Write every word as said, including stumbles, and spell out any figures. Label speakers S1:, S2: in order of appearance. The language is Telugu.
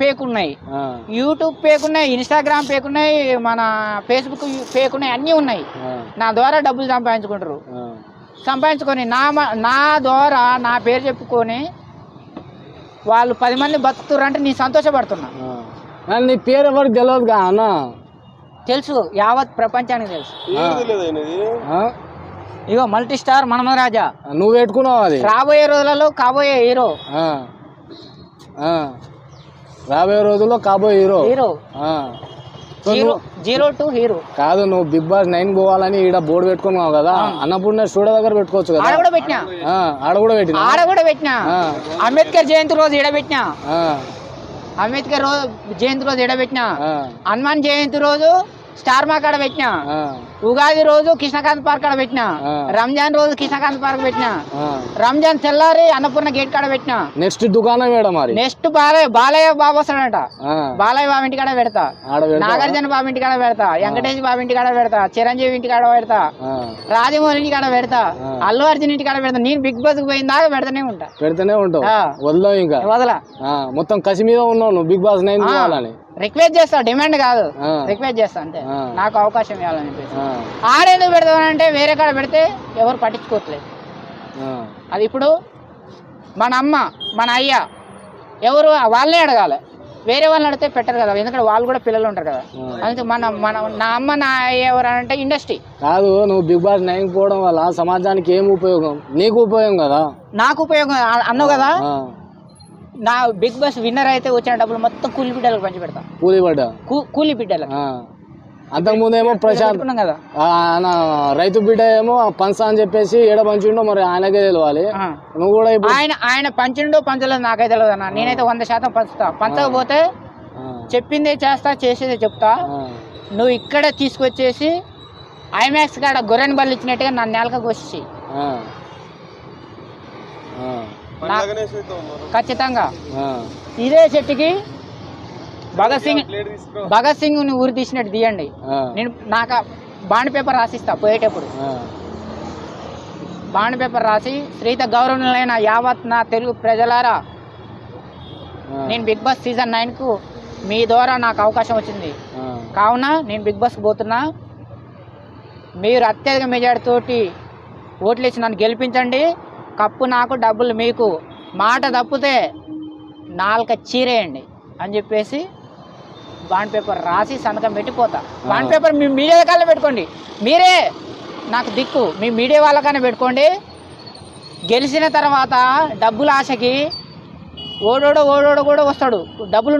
S1: ఫేక్ ఉన్నాయి, యూట్యూబ్ ఫేక్ ఉన్నాయి, ఇన్స్టాగ్రామ్ ఫేక్ ఉన్నాయి, మన ఫేస్బుక్ ఫేక్ ఉన్నాయి, అన్నీ ఉన్నాయి. నా ద్వారా డబ్బులు సంపాదించుకుంటారు. సంపాదించుకొని నా నా ద్వారా నా పేరు చెప్పుకొని వాళ్ళు పది మంది బతుకుతారు అంటే నేను సంతోషపడుతున్నా.
S2: నీ పేరు ఎవరికి తెలియదు అన్న? తెలుసు,
S1: యావత్ ప్రపంచానికి తెలుసు. ఇగో మల్టీ స్టార్ మన్మథ రాజా.
S2: నువ్వు పెట్టుకున్నావు అది.
S1: రాబోయే రోజులలో కాబోయే హీరో.
S2: రాబోయే రోజుల్లో కాబోయే hero.
S1: Hero zero zero to hero.
S2: కాదు, నువ్వు బిగ్ బాస్ నైన్ పోవాలని ఈడ బోర్డు పెట్టుకున్నావు కదా, అన్నపూర్ణ స్టూడియో దగ్గర పెట్టుకోవచ్చు కదా.
S1: ఆడ కూడా పెట్టినా
S2: ఆడ కూడా పెట్టినా
S1: ఆడ కూడా పెట్టినా అంబేద్కర్ జయంతి రోజు ఈడ పెట్టినా అంబేద్కర్ రోజు జయంతి రోజు ఈడ పెట్టినా హనుమాన్ జయంతి రోజు స్టార్ మార్క్ ఆడ పెట్టినా ఉగాది రోజు కృష్ణకాంత్ పార్క్ ఆడ పెట్టినా రంజాన్ రోజు కృష్ణకాంత్ పార్క్ పెట్టినా రంజాన్ తెల్లారి అన్నపూర్ణ గేట్ కాడ పెట్టినా.
S2: నెక్స్ట్ దుకాణం మేడం మరి
S1: నెక్స్ట్ బాలయ్య బాలయ్య బాబు వస్తాడంట. బాలయ్య బాబు ఇంటి కాడ పెడతా, నాగార్జున బాబు ఇంటి కాడ పెడతా, వెంకటేష్ బాబు ఇంటి కాడ పెడతా, చిరంజీవి ఇంటి కాడ పెడతా, రాజమౌళి ఇంటి కాడ పెడతా, అల్లు అర్జున్ ఇంటి కాడ పెడతా. నేను బిగ్ బాస్ పోయిన దాకా పెడతానే ఉంటా
S2: పెడతానే ఉంటావు వదలవు ఇంకా
S1: వదలా.
S2: మొత్తం కసి మీద ఉన్నావు నువ్వు బిగ్ బాస్ నైన్ పోవాలని.
S1: రిక్వెస్ట్ చేస్తా, డిమాండ్ కాదు, రిక్వెస్ట్ చేస్తా అంతే. నాకు అవకాశం ఇవ్వాలని చెప్పేసి. ఆడేందుకు పెడతామంటే వేరే కాడ పెడితే ఎవరు పట్టించుకోవట్లేదు. అది ఇప్పుడు మన అమ్మ మన అయ్య ఎవరు వాళ్ళనే అడగాలి, వేరే వాళ్ళని అడిగితే పెట్టరు కదా, ఎందుకంటే వాళ్ళు కూడా పిల్లలు ఉంటారు కదా. అందుకే మన మన నా అమ్మ నా అయ్య ఎవరు అంటే ఇండస్ట్రీ
S2: కాదు. నువ్వు బిగ్ బాస్ నైన్ పోవడం వల్ల సమాజానికి ఏం ఉపయోగం? నీకు ఉపయోగం కదా.
S1: నాకు ఉపయోగం అన్నావు కదా. నా బిగ్ బాస్ విన్నర్ అయితే వచ్చిన డబ్బులు మొత్తం కూలి బిడ్డలకు పంచి పెడతా.
S2: కూలి బిడ్డ
S1: కూలి బిడ్డలకు.
S2: అంతకుముందేమో ప్రశాంత్
S1: కదా
S2: రైతు బిడ్డ ఏమో పంచా అని చెప్పేసి ఏడ పంచిండో మరి ఆయనకే తెలియాలి. నువ్వు కూడా
S1: ఆయన ఆయన పంచిండో పంచలేదు నాకైతే తెలియదు అన్న. నేనైతే వంద శాతం పంచుతా. పంచకపోతే చెప్పిందే చేస్తా, చేసేదే చెప్తా. నువ్వు ఇక్కడే తీసుకొచ్చేసి ఐమాక్స్ కాడ గొర్రెని బళ్ళు ఇచ్చినట్టుగా నన్ను నేలకకు వచ్చి ఖచ్చితంగా ఇదే చెట్టుకి భగత్ సింగ్ భగత్ సింగ్ ని ఊరి తీసినట్టు తీయండి. నేను నాకు బాండ్ పేపర్ రాసిస్తా పోయేటప్పుడు. బాండ్ పేపర్ రాసి శ్రీత గౌరవనీయులైన యావత్ నా తెలుగు ప్రజలారా, నేను బిగ్ బాస్ సీజన్ నైన్ కు మీ ద్వారా నాకు అవకాశం వచ్చింది కావున నేను బిగ్ బాస్కి పోతున్నా. మీరు అత్యధిక మెజార్టీ తోటి ఓట్లు ఇచ్చి నన్ను గెలిపించండి. కప్పు నాకు, డబ్బులు మీకు. మాట తప్పితే నాలుక చీరేయండి అని చెప్పేసి బాండ్ పేపర్ రాసి సంతకం పెట్టిపోతా. బాండ్ పేపర్ మీ మీడియా కాళ్ళే పెట్టుకోండి, మీరే నాకు దిక్కు. మీ మీడియా వాళ్ళకనే పెట్టుకోండి. గెలిచిన తర్వాత డబ్బుల ఆశకి ఓడోడో ఓడోడో కూడా వస్తాడు. డబ్బులు